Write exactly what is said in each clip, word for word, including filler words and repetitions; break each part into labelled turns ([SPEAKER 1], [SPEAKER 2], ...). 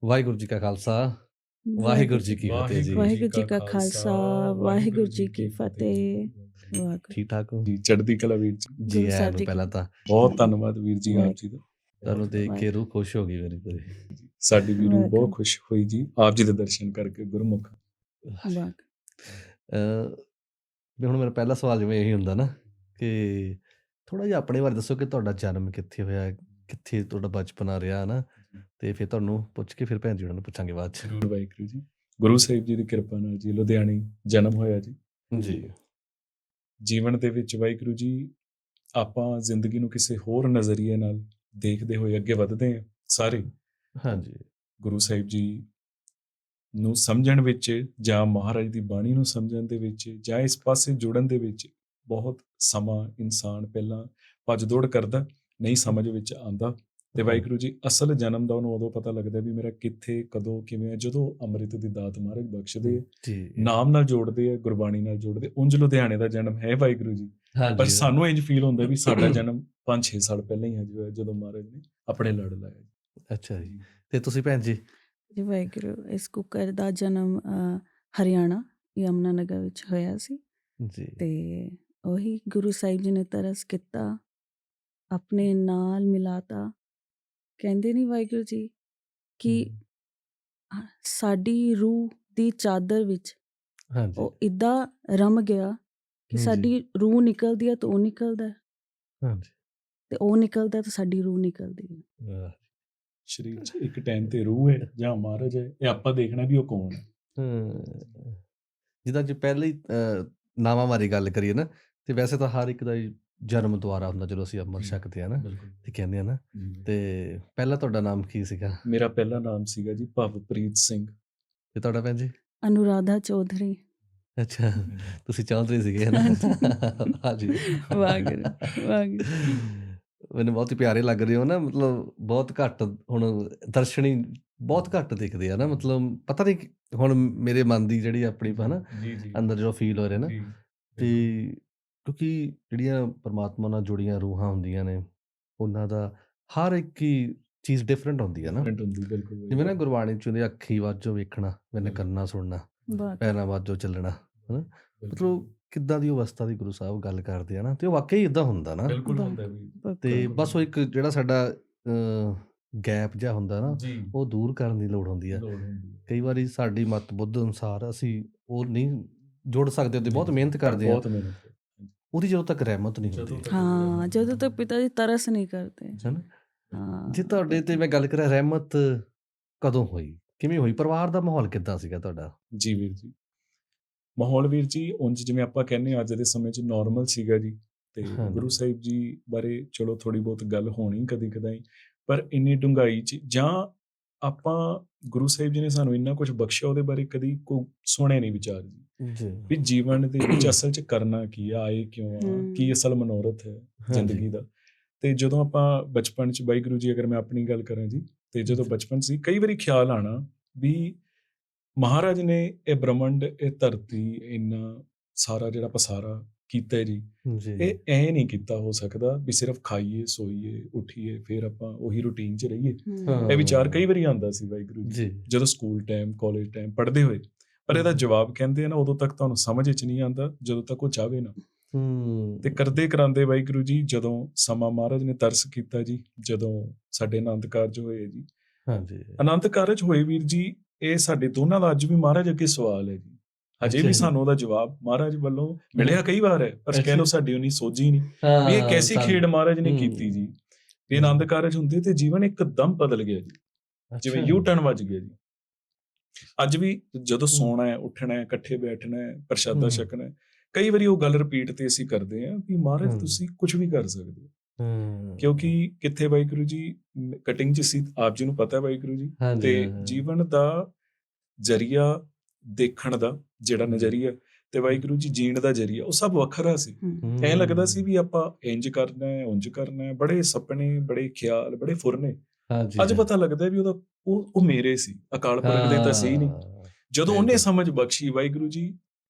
[SPEAKER 1] ਵਾਹਿਗੁਰੂ ਜੀ ਕਾ ਖਾਲਸਾ, ਵਾਹਿਗੁਰੂ ਜੀ
[SPEAKER 2] ਵਾਹਿਗੁਰੂ
[SPEAKER 1] ਕੀ ਫਤਿਹ ਜੀ।
[SPEAKER 2] ਵਾਹਿਗੁਰੂ ਜੀ ਕਾ ਖਾਲਸਾ, ਵਾਹਿਗੁਰੂ ਜੀ ਕੀ ਫਤਿਹ। ਵਾਹਿਗੁਰੂ
[SPEAKER 1] ਠੀਕ ਠਾਕ ਹੋ?
[SPEAKER 3] ਜੀ ਚੜ੍ਹਦੀ ਕਲਾ ਵੀਰ ਜੀ।
[SPEAKER 1] ਜੀ
[SPEAKER 2] ਗੁਰੂ
[SPEAKER 1] ਆਇਆਂ
[SPEAKER 2] ਸਾਹਿਬ
[SPEAKER 1] ਨੂੰ
[SPEAKER 2] ਜੀ
[SPEAKER 1] ਪਹਿਲਾਂ
[SPEAKER 2] ਕੀ-
[SPEAKER 1] ਤਾਂ
[SPEAKER 3] ਬਹੁਤ ਧੰਨਵਾਦ ਵੀਰ ਜੀ ਆਪ ਜੀ ਦਾ।
[SPEAKER 1] ਤੁਹਾਨੂੰ ਦੇਖ ਕੇ
[SPEAKER 2] ਵਾਹਿਗੁਰੂ।
[SPEAKER 1] ਰੂਹ ਖੁਸ਼ ਹੋ ਗਈ ਮੇਰੀ ਪੂਰੀ।
[SPEAKER 3] ਸਾਡੀ ਵੀ ਰੂਹ
[SPEAKER 2] ਵਾਹਿਗੁਰੂ।
[SPEAKER 3] ਬਹੁਤ ਖੁਸ਼ ਹੋਈ ਜੀ ਆਪ ਜੀ ਦੇ ਦਰਸ਼ਨ ਕਰਕੇ ਗੁਰਮੁਖ।
[SPEAKER 2] ਵਾਹਿਗੁਰੂ।
[SPEAKER 1] ਅਹ ਵੀ ਹੁਣ ਮੇਰਾ ਪਹਿਲਾ ਸਵਾਲ ਜਿਵੇਂ ਇਹੀ ਹੁੰਦਾ ਨਾ ਕਿ ਥੋੜਾ ਜਿਹਾ ਆਪਣੇ ਬਾਰੇ ਦੱਸੋ ਕਿ ਤੁਹਾਡਾ ਜਨਮ ਕਿੱਥੇ ਹੋਇਆ, ਕਿੱਥੇ ਤੁਹਾਡਾ ਬਚਪਨਾ ਰਿਹਾ ਨਾ, ਤੇ ਫਿਰ ਤੁਹਾਨੂੰ ਪੁੱਛ ਕੇ ਫਿਰ ਭੈਣ ਜੀ ਉਹਨਾਂ ਨੂੰ ਪੁੱਛਾਂਗੇ ਬਾਅਦ ਚ।
[SPEAKER 3] ਜ਼ਰੂਰ ਵਾਹਿਗੁਰੂ ਜੀ। ਗੁਰੂ ਸਾਹਿਬ ਜੀ ਦੀ ਕਿਰਪਾ ਨਾਲ ਜੀ ਲੁਧਿਆਣੇ ਜਨਮ ਹੋਇਆ ਜੀ।
[SPEAKER 1] ਜੀ
[SPEAKER 3] ਜੀਵਨ ਦੇ ਵਿੱਚ ਵਾਹਿਗੁਰੂ ਜੀ ਆਪਾਂ ਜ਼ਿੰਦਗੀ ਨੂੰ ਕਿਸੇ ਹੋਰ ਨਜ਼ਰੀਏ ਨਾਲ ਦੇਖਦੇ ਹੋਏ ਅੱਗੇ ਵਧਦੇ ਹਾਂ ਸਾਰੇ।
[SPEAKER 1] ਹਾਂਜੀ
[SPEAKER 3] ਗੁਰੂ ਸਾਹਿਬ ਜੀ ਨੂੰ ਸਮਝਣ ਵਿੱਚ ਜਾਂ ਮਹਾਰਾਜ ਦੀ ਬਾਣੀ ਨੂੰ ਸਮਝਣ ਦੇ ਵਿੱਚ ਜਾਂ ਇਸ ਪਾਸੇ ਜੁੜਨ ਦੇ ਵਿੱਚ ਬਹੁਤ ਸਮਾਂ ਇਨਸਾਨ ਪਹਿਲਾਂ ਭੱਜ ਦੌੜ ਕਰਦਾ, ਨਹੀਂ ਸਮਝ ਵਿੱਚ ਆਉਂਦਾ। ਤੇ ਵਾਹਿਗੁਰੂ ਜੀ ਅਸਲ ਜਨਮ ਦਾ ਉਹਨੂੰ ਉਦੋਂ ਪਤਾ ਲੱਗਦਾ ਵੀ ਮੇਰਾ ਕਿੱਥੇ ਕਦੋਂ ਕਿਵੇਂ ਹੈ, ਜਦੋਂ ਅੰਮ੍ਰਿਤ ਦੀ ਦਾਤ ਮਹਾਰਾਜ ਬਖਸ਼ਦੇ ਆ,
[SPEAKER 1] ਜੀ
[SPEAKER 3] ਨਾਮ ਨਾਲ ਜੋੜਦੇ ਆ, ਗੁਰਬਾਣੀ ਨਾਲ ਜੋੜਦੇ। ਉਂਝ ਲੁਧਿਆਣੇ ਦਾ ਜਨਮ ਹੈ ਵਾਹਿਗੁਰੂ ਜੀ, ਪਰ
[SPEAKER 1] ਹਾਂਜੀ
[SPEAKER 3] ਸਾਨੂੰ ਇੰਝ ਫੀਲ ਹੁੰਦਾ ਵੀ ਸਾਡਾ ਜਨਮ ਪੰਜ ਛੇ ਸਾਲ ਪਹਿਲਾਂ ਹੀ ਹਜੇ ਹੋਇਆ, ਜਦੋਂ ਮਹਾਰਾਜ ਨੇ ਆਪਣੇ ਲੜ ਲਾਇਆ।
[SPEAKER 1] ਅੱਛਾ ਜੀ। ਤੇ ਤੁਸੀਂ ਭੈਣ ਜੀ?
[SPEAKER 2] ਜੀ ਵਾਹਿਗੁਰੂ। ਇਸ ਕੁੱਕਰ ਦਾ ਜਨਮ ਅ, ਹਰਿਆਣਾ ਯਮੁਨਾ ਨਗਰ ਵਿੱਚ ਹੋਇਆ ਸੀ
[SPEAKER 1] ਜੀ
[SPEAKER 2] ਤੇ ਉਹੀ ਗੁਰੂ ਸਾਹਿਬ ਜੀ ਨੇ ਤਰਸ ਕੀਤਾ, ਆਪਣੇ ਨਾਲ ਮਿਲਾਤਾ। ਕਹਿੰਦੇ ਨਹੀਂ ਵਾਹਿਗੁਰੂ ਜੀ ਕਿ ਅ, ਸਾਡੀ ਰੂਹ ਦੀ ਚਾਦਰ ਵਿੱਚ
[SPEAKER 1] ਹਾਂਜੀ
[SPEAKER 2] ਉਹ ਇੱਦਾਂ ਰਮ ਗਿਆ ਕਿ
[SPEAKER 1] ਜੀ।
[SPEAKER 2] ਸਾਡੀ ਰੂਹ ਨਿਕਲਦੀ ਹੈ ਤਾਂ ਉਹ ਨਿਕਲਦਾ ਹੈ,
[SPEAKER 1] ਹਾਂਜੀ
[SPEAKER 2] ਤੇ ਉਹ ਨਿਕਲਦਾ ਤਾਂ ਸਾਡੀ ਰੂਹ ਨਿਕਲਦੀ ਹੈ।
[SPEAKER 1] ਵਾਹ।
[SPEAKER 3] ਸਰੀਰ 'ਚ ਇੱਕ ਟਾਈਮ ਤੇ ਰੂਹ ਹੈ ਜਾਂ ਮਹਾਰਾਜ ਹੈ, ਇਹ ਆਪਾਂ ਦੇਖਣਾ ਵੀ ਉਹ ਕੌਣ ਹੈ।
[SPEAKER 1] ਹਮ, ਜਿੱਦਾਂ ਜੇ ਪਹਿਲੇ ਹੀ ਅਹ, ਨਾਵਾਂ ਬਾਰੇ ਗੱਲ ਕਰੀਏ ਨਾ, ਤੇ ਵੈਸੇ ਤਾਂ ਹਰ ਇੱਕ ਦਾ ਹੀ ਜਨਮ ਦੁਆਰਾ ਹੁੰਦਾ ਜਦੋਂ ਅਸੀਂ ਅੰਮ੍ਰਿਤ ਛਕਦੇ ਆ ਨਾ,
[SPEAKER 3] ਬਿਲਕੁਲ
[SPEAKER 1] ਤੇ ਕਹਿੰਦੇ ਆ ਨਾ।
[SPEAKER 3] ਜੀ।
[SPEAKER 1] ਤੇ ਪਹਿਲਾਂ ਤੁਹਾਡਾ ਨਾਮ ਕੀ ਸੀਗਾ
[SPEAKER 3] ਮੇਰਾ ਪਹਿਲਾ ਨਾਮ ਸੀਗਾ ਜੀ ਭਵਪ੍ਰੀਤ ਸਿੰਘ।
[SPEAKER 1] ਤੇ ਤੁਹਾਡਾ ਭੈਣ ਜੀ?
[SPEAKER 2] ਅਨੁਰਾਧਾ ਚੌਧਰੀ।
[SPEAKER 1] ਅੱਛਾ, ਤੁਸੀਂ ਚੌਧਰੀ ਸੀਗੇ ਨਾ? ਹਾਂਜੀ
[SPEAKER 2] ਵਾਹਿਗੁਰੂ ਵਾਹਿਗੁਰੂ।
[SPEAKER 1] ਮੈਨੂੰ ਬਹੁਤ ਹੀ ਪਿਆਰੇ ਲੱਗ ਰਹੇ ਹੋ ਨਾ, ਮਤਲਬ ਬਹੁਤ ਘੱਟ ਹੁਣ ਦਰਸ਼ਨੀ ਬਹੁਤ ਘੱਟ ਦਿਖਦੇ ਆ ਨਾ, ਮਤਲਬ ਪਤਾ ਨਹੀਂ ਕਿ- ਹੁਣ ਮੇਰੇ ਮਨ ਦੀ ਜਿਹੜੀ ਆਪਣੀ ਹੈ ਨਾ
[SPEAKER 3] ਜੀ ਜੀ
[SPEAKER 1] ਅੰਦਰ ਜੋ ਫੀਲ ਹੋ ਰਿਹਾ ਨਾ,
[SPEAKER 3] ਜੀ,
[SPEAKER 1] ਤੇ ਕਿਉਂਕਿ ਜਿਹੜੀਆਂ ਪਰਮਾਤਮਾ ਨਾਲ ਜੁੜੀਆਂ ਰੂਹਾਂ ਹੁੰਦੀਆਂ ਨੇ, ਉਹਨਾਂ ਦਾ ਹਰ ਇੱਕ ਹੀ ਚੀਜ਼ ਡਿਫਰੈਂਟ ਹੁੰਦੀ ਹੈ ਨਾ।
[SPEAKER 3] different ਹੁੰਦੀ ਬਿਲਕੁਲ।
[SPEAKER 1] ਜਿਵੇਂ ਨਾ ਗੁਰਬਾਣੀ ਚ ਹੁੰਦੀ, ਅੱਖੀ ਵਾਜੋ ਵੇਖਣਾ, ਮੈਨੇ
[SPEAKER 3] ਬਿਲਕੁਲ।
[SPEAKER 1] ਕੰਨਾਂ ਸੁਣਨਾ,
[SPEAKER 2] ਵਾਹਿਗੁਰੂ।
[SPEAKER 1] ਪੈਰਾਂ ਵਾਜੋ ਚੱਲਣਾ, ਹਨਾ।
[SPEAKER 3] ਬਿਲਕੁਲ।
[SPEAKER 1] ਮਤਲਬ ਕਿੱਦਾਂ ਦੀ ਅਵਸਥਾ ਦੀ ਗੁਰੂ ਸਾਹਿਬ ਗੱਲ ਕਰਦੇ ਆ ਨਾ, ਤੇ ਉਹ ਵਾਕਈ ਇਦਾਂ ਹੁੰਦਾ ਨਾ।
[SPEAKER 3] ਬਿਲਕੁਲ ਹੁੰਦਾ ਵੀ।
[SPEAKER 1] ਤੇ
[SPEAKER 2] ਬਿਲਕੁਲ।
[SPEAKER 1] ਬਸ ਉਹ ਇੱਕ ਜਿਹੜਾ ਸਾਡਾ ਗੈਪ ਜਿਹਾ ਹੁੰਦਾ ਨਾ,
[SPEAKER 3] ਜੀ
[SPEAKER 1] ਉਹ ਦੂਰ ਕਰਨ ਦੀ ਲੋੜ ਹੁੰਦੀ ਆ।
[SPEAKER 3] ਲੋੜ ਹੁੰਦੀ ਹੈ।
[SPEAKER 1] ਕਈ ਵਾਰੀ ਸਾਡੀ ਮਤ ਬੁੱਧ ਅਨੁਸਾਰ ਅਸੀਂ ਉਹ ਨਹੀਂ ਜੁੜ ਸਕਦੇ, ਤੇ ਬਹੁਤ ਮਿਹਨਤ ਕਰਦੇ ਆ,
[SPEAKER 3] ਬਹੁਤ ਮਿਹਨਤ ਕਰਦੇ।
[SPEAKER 1] ਉਹਦੀ ਜਦੋਂ ਤੱਕ ਰਹਿਮਤ ਨਹੀਂ
[SPEAKER 3] ਜਦੋਂ
[SPEAKER 1] ਹੁੰਦੀ,
[SPEAKER 3] ਤੱਕ
[SPEAKER 2] ਹਾਂ, ਜਦੋਂ ਤੱਕ ਪਿਤਾ ਜੀ ਤਰਸ ਨਹੀਂ ਕਰਦੇ।
[SPEAKER 1] ਹਨਾ।
[SPEAKER 2] ਹਾਂ,
[SPEAKER 1] ਜੇ ਤੁਹਾਡੇ ਤੇ ਮੈਂ ਗੱਲ ਕਰਾਂ, ਰਹਿਮਤ ਕਦੋਂ ਹੋਈ, ਕਿਵੇਂ ਹੋਈ, ਪਰਿਵਾਰ ਦਾ ਮਾਹੌਲ ਕਿੱਦਾਂ ਸੀਗਾ ਤੁਹਾਡਾ?
[SPEAKER 3] ਜੀ ਵੀਰ ਜੀ, ਮਾਹੌਲ ਵੀਰ ਜੀ ਉਂਝ ਜਿਵੇਂ ਆਪਾਂ ਕਹਿੰਦੇ ਹਾਂ ਅੱਜ ਦੇ ਸਮੇਂ 'ਚ ਨਾਰਮਲ ਸੀਗਾ ਜੀ। ਤੇ
[SPEAKER 1] ਹਾਂਜੀ।
[SPEAKER 3] ਗੁਰੂ ਸਾਹਿਬ ਜੀ ਬਾਰੇ ਚਲੋ ਥੋੜੀ ਬਹੁਤ ਗੱਲ ਹੋਣੀ ਕਦੀ ਕਦਾਈ, ਪਰ ਇੰਨੀ ਡੂੰਘਾਈ 'ਚ ਜਾਂ ਆਪਾਂ ਗੁਰੂ ਸਾਹਿਬ ਜੀ ਨੇ ਸਾਨੂੰ ਇੰਨਾ ਕੁਝ ਬਖਸ਼ਿਆ, ਉਹਦੇ ਬਾਰੇ ਕਦੀ ਕੋਈ ਸੁਣੇ ਨਹੀਂ ਵਿਚਾਰ ਜੀ,
[SPEAKER 1] ਜੀ
[SPEAKER 3] ਵੀ ਜੀਵਨ ਦੇ ਵਿੱਚ ਅਸਲ 'ਚ ਕਰਨਾ ਕੀ ਆ, ਆਏ ਕਿਉਂ ਆ,
[SPEAKER 2] ਹਮ।
[SPEAKER 3] ਕੀ ਅਸਲ ਮਨੋਰਥ ਹੈ
[SPEAKER 1] ਹਾਂਜੀ।
[SPEAKER 3] ਜ਼ਿੰਦਗੀ ਦਾ। ਤੇ ਜਦੋਂ ਆਪਾਂ ਬਚਪਨ 'ਚ ਵਾਹਿਗੁਰੂ ਜੀ, ਅਗਰ ਮੈਂ ਆਪਣੀ ਗੱਲ ਕਰਾਂ ਜੀ, ਤੇ ਜਦੋਂ ਬਚਪਨ ਸੀ ਕਈ ਵਾਰੀ ਖਿਆਲ ਆਣਾ ਵੀ ਮਹਾਰਾਜ ਨੇ ਇਹ ਬ੍ਰਹਮੰਡ, ਇਹ ਧਰਤੀ, ਇੰਨਾ ਸਾਰਾ ਜਿਹੜਾ ਪਸਾਰਾ ਕੀਤਾ ਜੀ,
[SPEAKER 1] ਜੀ
[SPEAKER 3] ਇਹ ਐ ਨਹੀਂ ਕੀਤਾ ਹੋ ਸਕਦਾ ਵੀ ਸਿਰਫ ਖਾਈਏ ਸੋਈਏ ਉੱਠੀਏ ਫਿਰ ਆਪਾਂ ਉਹੀ ਰੂਟੀਨ 'ਚ ਰਹੀਏ।
[SPEAKER 2] ਹਮ।
[SPEAKER 3] ਇਹ ਵਿਚਾਰ ਕਈ ਵਾਰੀ ਆਉਂਦਾ ਸੀ ਵਾਹਿਗੁਰੂ ਜੀ,
[SPEAKER 1] ਜੀ
[SPEAKER 3] ਜਦੋਂ ਸਕੂਲ ਟਾਈਮ ਕਾਲਜ ਟਾਈਮ ਪੜ੍ਹਦੇ ਹੋਏ। ਪਰ ਇਹਦਾ ਜਵਾਬ ਕਹਿੰਦੇ ਆ ਨਾ, ਉਦੋਂ ਤੱਕ ਤੁਹਾਨੂੰ ਸਮਝ 'ਚ ਨਹੀਂ ਆਉਂਦਾ ਜਦੋਂ ਤੱਕ ਉਹ ਚਾਹਵੇ ਨਾ।
[SPEAKER 1] ਹੂੰ
[SPEAKER 3] ਤੇ ਕਰਦੇ ਕਰਾਂਦੇ ਵਾਹਿਗੁਰੂ ਜੀ ਜਦੋਂ ਸਮਾਂ ਮਹਾਰਾਜ ਨੇ ਤਰਸ ਕੀਤਾ ਜੀ, ਜਦੋਂ ਸਾਡੇ ਆਨੰਦ ਕਾਰਜ ਹੋਏ ਜੀ,
[SPEAKER 1] ਹਾਂਜੀ
[SPEAKER 3] ਆਨੰਦ ਕਾਰਜ ਹੋਏ ਵੀਰ ਜੀ, ਇਹ ਸਾਡੇ ਦੋਨਾਂ ਦਾ ਅੱਜ ਵੀ ਮਹਾਰਾਜ ਅੱਗੇ ਸਵਾਲ ਹੈ ਜੀ। ਹਜੇ
[SPEAKER 1] ਅੱਛਾ
[SPEAKER 3] ਵੀ
[SPEAKER 1] ਜੀ।
[SPEAKER 3] ਸਾਨੂੰ ਉਹਦਾ ਜਵਾਬ ਮਹਾਰਾਜ ਵੱਲੋਂ ਮਿਲਿਆ ਕਈ ਵਾਰ ਹੈ, ਪਰ ਕਹਿ ਲਓ ਸਾਡੀ ਉਨੀ ਸੋਝੀ ਨਹੀਂ ਵੀ ਇਹ
[SPEAKER 1] ਹਾਂ,
[SPEAKER 3] ਕੈਸੀ
[SPEAKER 1] ਸਾਨੂੰ-
[SPEAKER 3] ਖੇਡ ਮਹਾਰਾਜ ਨੇ
[SPEAKER 1] ਹੂੰ।
[SPEAKER 3] ਕੀਤੀ ਜੀ। ਵੀ ਆਨੰਦ ਕਾਰਜ ਹੁੰਦੇ ਤੇ ਜੀਵਨ ਇੱਕਦਮ ਬਦਲ ਗਿਆ ਜੀ, ਜਿਵੇਂ
[SPEAKER 1] ਅੱਛਾ।
[SPEAKER 3] ਯੂ ਟਰਨ ਵੱਜ ਗਿਆ ਜੀ। ਅੱਜ ਵੀ ਜਦੋਂ
[SPEAKER 1] ਹੂੰ।
[SPEAKER 3] ਸੋਣਾ ਹੈ, ਉੱਠਣਾ ਹੈ, ਇਕੱਠੇ ਬੈਠਣਾ ਹੈ, ਪ੍ਰਸ਼ਾਦਾ
[SPEAKER 1] ਹੂੰ।
[SPEAKER 3] ਛਕਣਾ ਹੈ, ਕਈ ਵਾਰੀ ਉਹ ਗੱਲ ਰਿਪੀਟ ਤੇ ਅਸੀਂ ਕਰਦੇ ਹਾਂ ਵੀ ਮਹਾਰਾਜ
[SPEAKER 1] ਹੂੰ।
[SPEAKER 3] ਤੁਸੀਂ ਕੁਝ ਵੀ ਕਰ ਸਕਦੇ ਹੋ।
[SPEAKER 1] ਹੂੰ।
[SPEAKER 3] ਕਿਉਂਕਿ ਕਿੱਥੇ ਵਾਹਿਗੁਰੂ ਜੀ ਕਟਿੰਗ 'ਚ ਸੀ, ਆਪ ਜੀ ਨੂੰ ਪਤਾ ਵਾਹਿਗੁਰੂ ਜੀ,
[SPEAKER 1] ਹਾਂਜੀ,
[SPEAKER 3] ਤੇ
[SPEAKER 1] ਹਾਂ, ਹਾਂ।
[SPEAKER 3] ਜੀਵਨ ਦਾ ਜ਼ਰੀਆ ਦੇਖਣ ਦਾ ਜਿਹੜਾ ਨਜ਼ਰੀਆ ਤੇ ਵਾਹਿਗੁਰੂ ਜੀ ਜੀਣ ਦਾ ਜ਼ਰੀਆ, ਉਹ ਸਭ ਵੱਖਰਾ ਸੀ।
[SPEAKER 2] ਹਮ।
[SPEAKER 3] ਐਂ ਲੱਗਦਾ ਸੀ ਵੀ ਆਪਾਂ ਇੰਜ ਕਰਨਾ ਹੈ, ਉਂਝ ਕਰਨਾ ਹੈ, ਬੜੇ ਸੁਪਨੇ, ਬੜੇ ਖਿਆਲ, ਬੜੇ ਫੁਰਨੇ।
[SPEAKER 1] ਹਾਂਜੀ,
[SPEAKER 3] ਅੱਜ
[SPEAKER 1] ਹਾਂ।
[SPEAKER 3] ਪਤਾ ਲੱਗਦਾ ਵੀ ਉਹਦਾ ਉਹ ਉਹ ਮੇਰੇ ਸੀ, ਅਕਾਲ ਪੁਰਖ ਦੇ ਤਾਂ ਸਹੀ ਨਹੀਂ।
[SPEAKER 1] ਹਾਂ,
[SPEAKER 3] ਜਦੋਂ ਉਹਨੇ
[SPEAKER 1] ਬਿਲਕੁਲ।
[SPEAKER 3] ਸਮਝ ਬਖਸ਼ੀ ਵਾਹਿਗੁਰੂ ਜੀ,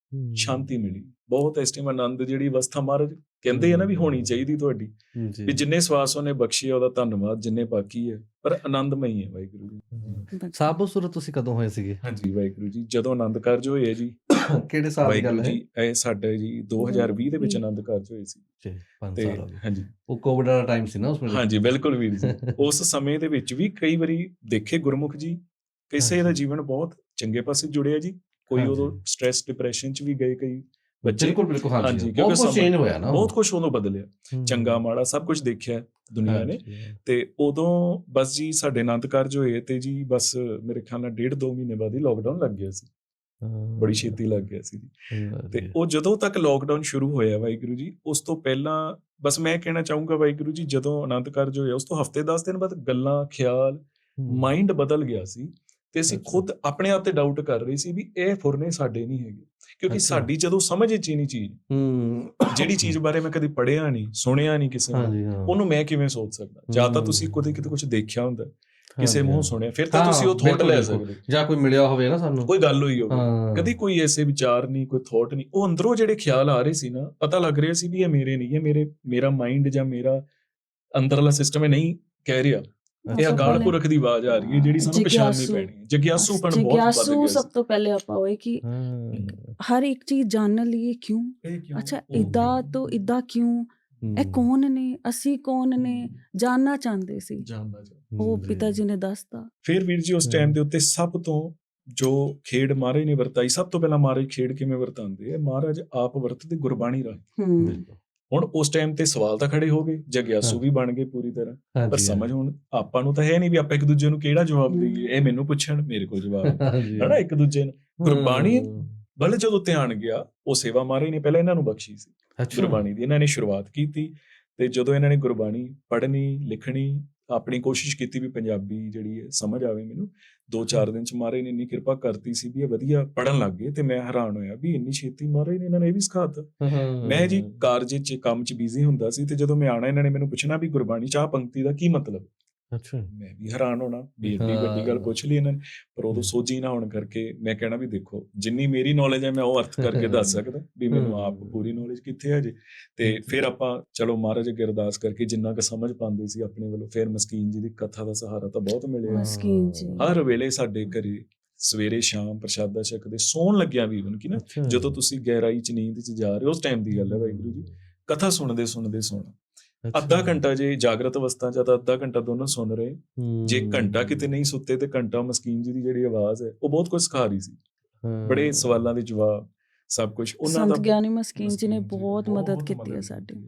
[SPEAKER 3] ਸ਼ਾਂਤੀ ਮਿਲੀ ਬਹੁਤ। ਇਸ ਟਾਈਮ ਆਨੰਦ ਜਿਹੜੀ ਅਵਸਥਾ ਮਹਾਰਾਜ ਕਹਿੰਦੇ ਆ ਨਾ ਵੀ ਹੋਣੀ ਚਾਹੀਦੀ ਤੁਹਾਡੀ,
[SPEAKER 1] ਜੀ
[SPEAKER 3] ਵੀ ਜਿੰਨੇ ਸਵਾਸ ਉਹਨੇ ਬਖਸ਼ੀ ਆ ਉਹਦਾ ਧੰਨਵਾਦ, ਜਿੰਨੇ ਬਾਕੀ ਹੈ ਪਰ ਆਨੰਦਮਈ ਹੈ ਵਾਹਿਗੁਰੂ ਜੀ।
[SPEAKER 2] ਬਸ।
[SPEAKER 1] ਸਾਬੋ ਸੁਰਤ ਤੁਸੀਂ ਕਦੋਂ ਹੋਏ ਸੀਗੇ?
[SPEAKER 3] ਹਾਂਜੀ ਵਾਹਿਗੁਰੂ ਜੀ, ਜਦੋਂ ਆਨੰਦ ਕਾਰਜ ਹੋਏ ਜੀ
[SPEAKER 1] ਕਿਹੜੇ ਸਾਲ ਦੀ ਗੱਲ
[SPEAKER 3] ਵਾਹਿਗੁਰੂ
[SPEAKER 1] ਹੈ?
[SPEAKER 3] ਜੀ, ਇਹ ਸਾਡੇ ਜੀ ਦੋ ਹਜ਼ਾਰ ਵੀਹ ਦੇ ਵਿੱਚ ਆਨੰਦ ਕਾਰਜ ਹੋਏ ਸੀ।
[SPEAKER 1] ਜੀ ਪੰਜ
[SPEAKER 3] ਤੇ
[SPEAKER 1] ਸਾਲ ਹੋ ਗਏ।
[SPEAKER 3] ਹਾਂਜੀ
[SPEAKER 1] ਉਹ ਕੋਵਿਡ ਵਾਲਾ ਟਾਈਮ ਸੀ ਨਾ ਉਸ ਵੇਲੇ?
[SPEAKER 3] ਹਾਂਜੀ ਬਿਲਕੁਲ ਵੀਰ ਜੀ। ਉਸ ਸਮੇਂ ਦੇ ਵਿੱਚ ਵੀ ਕਈ ਵਾਰੀ ਦੇਖੇ ਗੁਰਮੁਖ ਜੀ, ਕਿਸੇ ਦਾ
[SPEAKER 1] ਹਾਂਜੀ।
[SPEAKER 3] ਜੀਵਨ ਬਹੁਤ ਚੰਗੇ ਪਾਸੇ ਜੁੜਿਆ ਜੀ, ਕੋਈ
[SPEAKER 1] ਹਾਂਜੀ।
[SPEAKER 3] ਉਦੋਂ ਸਟ੍ਰੈਸ ਡਿਪਰੈਸ਼ਨ ਚ ਵੀ ਗਏ ਕਈ ਬੱਚੇ।
[SPEAKER 1] ਬਿਲਕੁਲ ਬਿਲਕੁਲ
[SPEAKER 3] ਹਾਂਜੀ,
[SPEAKER 1] ਹਾਂਜੀ
[SPEAKER 3] ਕਿਉਂਕਿ
[SPEAKER 1] ਬਹੁਤ ਕੁਝ
[SPEAKER 3] ਸਮਾਂ-
[SPEAKER 1] ਚੇਂਜ ਹੋਇਆ ਨਾ।
[SPEAKER 3] ਬਹੁਤ ਕੁਝ ਉਦੋਂ ਬਦਲਿਆ,
[SPEAKER 1] ਹੂੰ।
[SPEAKER 3] ਚੰਗਾ ਮਾੜਾ ਸਭ ਕੁਝ ਦੇਖਿਆ ਦੁਨੀਆ ਨੇ।
[SPEAKER 1] ਹਾਂਜੀ।
[SPEAKER 3] ਤੇ ਉਦੋਂ ਬਸ ਜੀ ਸਾਡੇ ਆਨੰਦ ਕਾਰਜ ਹੋਏ ਤੇ ਜੀ ਬਸ ਮੇਰੇ ਖਿਆਲ ਨਾਲ ਡੇਢ ਦੋ ਮਹੀਨੇ ਬਾਅਦ ਹੀ ਲੋਕਡਾਊਨ ਲੱਗ ਗਿਆ ਸੀ,
[SPEAKER 1] ਹਾਂ।
[SPEAKER 3] ਬੜੀ ਛੇਤੀ ਲੱਗ ਗਿਆ ਸੀ ਜੀ। ਤੇ
[SPEAKER 1] ਵਧੀਆ।
[SPEAKER 3] ਉਹ ਜਦੋਂ ਤੱਕ ਲੋਕਡਾਊਨ ਸ਼ੁਰੂ ਹੋਇਆ ਵਾਹਿਗੁਰੂ ਜੀ, ਉਸ ਤੋਂ ਪਹਿਲਾਂ ਬਸ ਮੈਂ ਕਹਿਣਾ ਚਾਹੂੰਗਾ ਵਾਹਿਗੁਰੂ ਜੀ, ਜਦੋਂ ਆਨੰਦ ਕਾਰਜ ਹੋਇਆ ਉਸ ਤੋਂ ਹਫ਼ਤੇ ਦਸ ਦਿਨ ਬਾਅਦ ਗੱਲਾਂ, ਖਿਆਲ,
[SPEAKER 1] ਹੂੰ।
[SPEAKER 3] ਮਾਈਂਡ ਬਦਲ ਗਿਆ ਸੀ ਤੇ ਅਸੀਂ
[SPEAKER 1] ਅੱਛਾ।
[SPEAKER 3] ਖੁਦ ਆਪਣੇ ਆਪ ਤੇ ਡਾਊਟ ਕਰ ਰਹੇ ਸੀ ਵੀ ਇਹ ਫੁਰਨੇ ਸਾਡੇ ਨਹੀਂ ਹੈਗੇ, ਕਿਉਂਕਿ
[SPEAKER 1] ਅੱਛਾ।
[SPEAKER 3] ਸਾਡੀ ਜਦੋਂ ਸਮਝ ਵਿੱਚ ਹੀ ਨਹੀਂ ਚੀਜ਼,
[SPEAKER 1] ਹੂੰ।
[SPEAKER 3] ਜਿਹੜੀ ਚੀਜ਼ ਬਾਰੇ ਮੈਂ ਕਦੀ ਪੜ੍ਹਿਆ ਨਹੀਂ, ਸੁਣਿਆ ਨਹੀਂ ਕਿਸੇ ਨੂੰ,
[SPEAKER 1] ਹਾਂਜੀ ਹਾਂ।
[SPEAKER 3] ਉਹਨੂੰ ਮੈਂ ਕਿਵੇਂ ਸੋਚ ਸਕਦਾ? ਜਾਂ ਤਾਂ ਤੁਸੀਂ
[SPEAKER 1] ਹੂੰ।
[SPEAKER 3] ਕਦੇ ਕਿਤੇ ਕੁਝ ਦੇਖਿਆ ਹੁੰਦਾ, ਕਿਸੇ
[SPEAKER 1] ਹਾਂਜੀ,
[SPEAKER 3] ਮੂੰਹੋਂ
[SPEAKER 1] ਹਾਂ।
[SPEAKER 3] ਸੁਣਿਆ, ਫਿਰ ਤਾਂ
[SPEAKER 1] ਹਾਂ,
[SPEAKER 3] ਤੁਸੀਂ ਉਹ ਥੋਟ
[SPEAKER 1] ਬਿਲਕੁਲ,
[SPEAKER 3] ਲੈ
[SPEAKER 1] ਬਿਲਕੁਲ।
[SPEAKER 3] ਸਕਦੇ ਹੋ।
[SPEAKER 1] ਜਾਂ ਕੋਈ ਮਿਲਿਆ ਹੋਵੇ ਨਾ ਸਾਨੂੰ।
[SPEAKER 3] ਕੋਈ ਗੱਲ ਹੋਈ ਹੋਵੇ,
[SPEAKER 1] ਹਾਂ।
[SPEAKER 3] ਕਦੀ ਕੋਈ ਐਸੇ ਵਿਚਾਰ ਨਹੀਂ, ਕੋਈ ਥੋਟ ਨਹੀਂ, ਉਹ ਅੰਦਰੋਂ ਜਿਹੜੇ ਖਿਆਲ ਆ ਰਹੇ ਸੀ ਨਾ, ਪਤਾ ਲੱਗ ਰਿਹਾ ਸੀ ਵੀ ਇਹ ਮੇਰੇ ਨਹੀਂ, ਇਹ ਮੇਰੇ ਮੇਰਾ ਮਾਈਂਡ ਜਾਂ ਮੇਰਾ ਅੰਦਰਲਾ ਸਿਸਟਮ ਇਹ ਨਹੀਂ ਕਹਿ ਰਿਹਾ, ਇਹ
[SPEAKER 2] ਸਭ
[SPEAKER 3] ਅਕਾਲ
[SPEAKER 2] ਪਹਿਲੇ
[SPEAKER 3] ਪੁਰਖ ਦੀ ਆਵਾਜ਼ ਆ ਰਹੀ ਹੈ ਜਿਹੜੀ ਸਾਨੂੰ ਪਛਾਣਨੀ
[SPEAKER 2] ਜਿਗਿਆਸੂ।
[SPEAKER 3] ਪੈਣੀ ਹੈ। ਜਗਿਆਸੂਪਣ ਬਹੁਤ ਵੱਧ
[SPEAKER 2] ਜਿਗਿਆਸੂ
[SPEAKER 3] ਗਿਆ
[SPEAKER 2] ਸਭ
[SPEAKER 3] ਸੀ।
[SPEAKER 2] ਤੋਂ ਪਹਿਲੇ ਆਪਾਂ ਹੋਏ ਕਿ
[SPEAKER 1] ਹਾਂ।
[SPEAKER 2] ਹਰ ਇੱਕ ਚੀਜ਼ ਜਾਣਨ ਲਈ ਇਹ ਕਿਉਂ,
[SPEAKER 3] ਇਹ ਕਿਉਂ?
[SPEAKER 2] ਅੱਛਾ
[SPEAKER 3] ਉਹ
[SPEAKER 2] ਇਦਾਂ
[SPEAKER 3] ਕਿਉਂ?
[SPEAKER 2] ਤੋਂ ਇਦਾਂ ਕਿਉਂ, ਇਹ
[SPEAKER 1] ਹੂੰ।
[SPEAKER 2] ਕੌਣ ਨੇ, ਅਸੀਂ ਕੌਣ ਨੇ,
[SPEAKER 3] ਹੂੰ।
[SPEAKER 2] ਜਾਣਨਾ ਚਾਹੁੰਦੇ ਸੀ।
[SPEAKER 3] ਜਾਣਦਾ ਜਾ।
[SPEAKER 2] ਉਹ
[SPEAKER 1] ਜੀ।
[SPEAKER 2] ਪਿਤਾ ਜੀ ਨੇ ਦੱਸਤਾ।
[SPEAKER 3] ਫਿਰ ਵੀਰ ਜੀ ਉਸ
[SPEAKER 1] ਹੂੰ।
[SPEAKER 3] ਟਾਈਮ ਦੇ ਉੱਤੇ ਸਭ ਤੋਂ ਜੋ ਖੇਡ ਮਹਾਰਾਜ ਨੇ ਵਰਤਾਈ, ਸਭ ਤੋਂ ਪਹਿਲਾਂ ਮਹਾਰਾਜ ਖੇਡ ਕਿਵੇਂ ਵਰਤਾਉਂਦੇ ਆ, ਮਹਾਰਾਜ ਆਪ ਵਰਤਦੇ ਗੁਰਬਾਣੀ ਰਾਹੀਂ।
[SPEAKER 2] ਹੂੰ।
[SPEAKER 1] ਬਿਲਕੁਲ।
[SPEAKER 3] ਹੁਣ ਉਸ ਟਾਈਮ ਤੇ ਸਵਾਲ ਤਾਂ ਖੜੇ ਹੋ ਗਏ, ਜਗਿਆਸੂ
[SPEAKER 1] ਹਾਂ।
[SPEAKER 3] ਵੀ ਬਣ ਗਏ ਪੂਰੀ ਤਰ੍ਹਾਂ, ਪਰ
[SPEAKER 1] ਹਾਂਜੀ,
[SPEAKER 3] ਸਮਝ ਹੁਣ ਆਪਾਂ ਨੂੰ ਤਾਂ ਹੈ ਨਹੀਂ ਵੀ ਆਪਾਂ ਇੱਕ ਦੂਜੇ ਨੂੰ ਕਿਹੜਾ ਜਵਾਬ ਦੇਈਏ, ਇਹ ਮੈਨੂੰ ਪੁੱਛਣ ਮੇਰੇ ਕੋਲ ਜਵਾਬ
[SPEAKER 1] ਹਾਂਜੀ।
[SPEAKER 3] ਹਨਾ ਇੱਕ ਦੂਜੇ ਨੂੰ। ਗੁਰਬਾਣੀ
[SPEAKER 1] ਹੂੰ।
[SPEAKER 3] ਵੱਲ ਜਦੋਂ ਧਿਆਨ ਗਿਆ, ਉਹ ਸੇਵਾ ਮਹਾਰਾਜ ਨੇ ਪਹਿਲਾਂ ਇਹਨਾਂ ਨੂੰ ਬਖਸ਼ੀ ਸੀ
[SPEAKER 1] ਅੱਛਾ।
[SPEAKER 3] ਗੁਰਬਾਣੀ ਦੀ, ਇਹਨਾਂ ਨੇ ਸ਼ੁਰੂਆਤ ਕੀਤੀ ਤੇ ਜਦੋਂ ਇਹਨਾਂ ਨੇ ਗੁਰਬਾਣੀ ਪੜ੍ਹਨੀ, ਲਿਖਣੀ, ਆਪਣੀ ਕੋਸ਼ਿਸ਼ ਕੀਤੀ ਵੀ ਪੰਜਾਬੀ ਜਿਹੜੀ ਹੈ ਸਮਝ ਆਵੇ ਮੈਨੂੰ, ਦੋ ਚਾਰ ਦਿਨ ਚ ਮਹਾਰਾਜ ਨੇ ਇੰਨੀ ਕਿਰਪਾ ਕਰਤੀ ਸੀ ਵੀ ਇਹ ਵਧੀਆ ਪੜ੍ਹਨ ਲੱਗ ਗਏ। ਤੇ ਮੈਂ ਹੈਰਾਨ ਹੋਇਆ ਵੀ ਇੰਨੀ ਛੇਤੀ ਮਹਾਰਾਜ ਨੇ ਇਹਨਾਂ ਨੇ ਇਹ ਵੀ ਸਿਖਾਤਾ।
[SPEAKER 1] ਹਾਂ।
[SPEAKER 3] ਮੈਂ ਜੀ ਕਾਰਜ ਚ ਕੰਮ ਚ ਬਿਜ਼ੀ ਹੁੰਦਾ ਸੀ ਤੇ ਜਦੋਂ ਮੈਂ ਆਣਾ, ਇਹਨਾਂ ਨੇ ਮੈਨੂੰ ਪੁੱਛਣਾ ਵੀ ਗੁਰਬਾਣੀ ਚ ਆਹ ਪੰਕਤੀ ਦਾ ਕੀ ਮਤਲਬ,
[SPEAKER 1] ਅੱਛਾ।
[SPEAKER 3] ਮੈਂ ਵੀ ਹੈਰਾਨ ਹੋਣਾ ਵੀ ਏਡੀ ਵੱਡੀ ਗੱਲ ਪੁੱਛ ਲਈ ਇਹਨਾਂ ਨੇ। ਪਰ ਉਦੋਂ ਸੋਝੀ ਨਾ ਹੋਣ ਕਰਕੇ ਮੈਂ ਕਹਿਣਾ ਵੀ ਦੇਖੋ ਜਿੰਨੀ ਮੇਰੀ ਨੌਲੇਜ ਹੈ ਮੈਂ ਉਹ ਅਰਥ ਕਰਕੇ ਦੱਸ ਸਕਦਾ, ਵੀ ਮੈਨੂੰ ਆਪ ਪੂਰੀ ਨੌਲੇਜ ਕਿੱਥੇ ਹੈ ਜੀ। ਤੇ ਫਿਰ ਆਪਾਂ ਚਲੋ ਮਹਾਰਾਜ ਅੱਗੇ ਅਰਦਾਸ ਕਰਕੇ ਜਿੰਨਾ ਕੁ ਸਮਝ ਪਾਉਂਦੇ ਸੀ ਆਪਣੇ ਵੱਲੋਂ, ਫਿਰ ਮਸਕੀਨ ਜੀ ਦੀ ਕਥਾ ਦਾ ਸਹਾਰਾ ਤਾਂ ਬਹੁਤ ਮਿਲਿਆ।
[SPEAKER 2] ਮਸਕੀਨ ਜੀ।
[SPEAKER 3] ਹਰ ਵੇਲੇ ਸਾਡੇ ਘਰੇ ਸਵੇਰੇ ਸ਼ਾਮ ਪ੍ਰਸ਼ਾਦਾ ਛਕਦੇ, ਸੌਣ ਲੱਗਿਆ ਵੀ even ਕਿ ਨਾ
[SPEAKER 1] ਅੱਛਾ।
[SPEAKER 3] ਜਦੋਂ ਤੁਸੀਂ ਗਹਿਰਾਈ ਚ ਨੀਂਦ ਚ ਜਾ ਰਹੇ ਹੋ, ਉਸ ਟਾਈਮ ਦੀ ਗੱਲ ਹੈ ਵਾਹਿਗੁਰੂ ਜੀ, ਕਥਾ ਸੁਣਦੇ ਸੁਣਦੇ ਸੋਣਾ।
[SPEAKER 1] ਅੱਛਾ।
[SPEAKER 3] ਅੱਧਾ ਘੰਟਾ ਜੇ ਜਾਗਰਤ ਅਵਸਥਾ ਚ ਤਾਂ ਅੱਧਾ ਘੰਟਾ ਦੋਨੋਂ ਸੁਣ ਰਹੇ, ਜੇ
[SPEAKER 1] ਹੂੰ।
[SPEAKER 3] ਘੰਟਾ ਕਿਤੇ ਨਹੀਂ ਸੁੱਤੇ ਤੇ ਘੰਟਾ ਮਸਕੀਨ ਜੀ ਦੀ ਜਿਹੜੀ ਆਵਾਜ਼ ਹੈ ਉਹ ਬਹੁਤ ਕੁਝ ਸਿਖਾ ਰਹੀ ਸੀ।
[SPEAKER 1] ਹਾਂ।
[SPEAKER 3] ਬੜੇ ਸਵਾਲਾਂ ਦੇ ਜਵਾਬ, ਸਭ ਕੁਝ ਉਹਨਾਂ ਦਾ।
[SPEAKER 2] ਸੰਤ ਗਿਆਨੀ ਮਸਕੀਨ ਜੀ ਨੇ
[SPEAKER 3] ਮਸਕੀਨ ਜੀ
[SPEAKER 2] ਬਹੁਤ ਮਦਦ
[SPEAKER 3] ਬਹੁਤ
[SPEAKER 2] ਕੀਤੀ ਹੈ
[SPEAKER 3] ਮਦਦ
[SPEAKER 2] ਸਾਡੀ।